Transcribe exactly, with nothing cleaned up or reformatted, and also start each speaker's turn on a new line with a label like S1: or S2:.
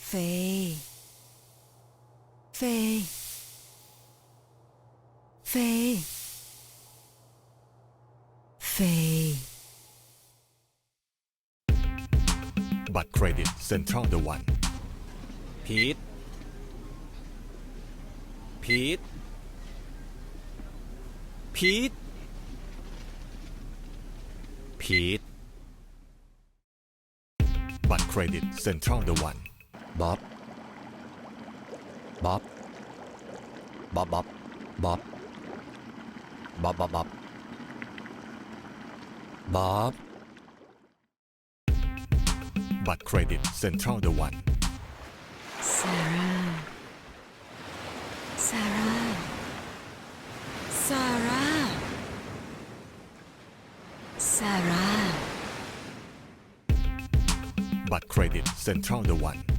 S1: เฟย์เฟย์เฟย์เฟย์
S2: บัตรเครดิตเซ็นทรัลเดอะวัน
S3: พีทพีทพีทพีท
S2: บัตรเครดิตเซ็นทรัลเดอะวัน
S3: บ๊อบบ๊อบบ๊อบบ๊อบบ๊อบบ๊อบบ๊อบบ๊อบบ๊อบ
S2: บัตรเครดิตเซ็นทรัลเดอะวัน
S1: ซาร่าซาร่าซาร่าซาร่า
S2: บัตรเครดิตเซ็นทรัลเดอะวัน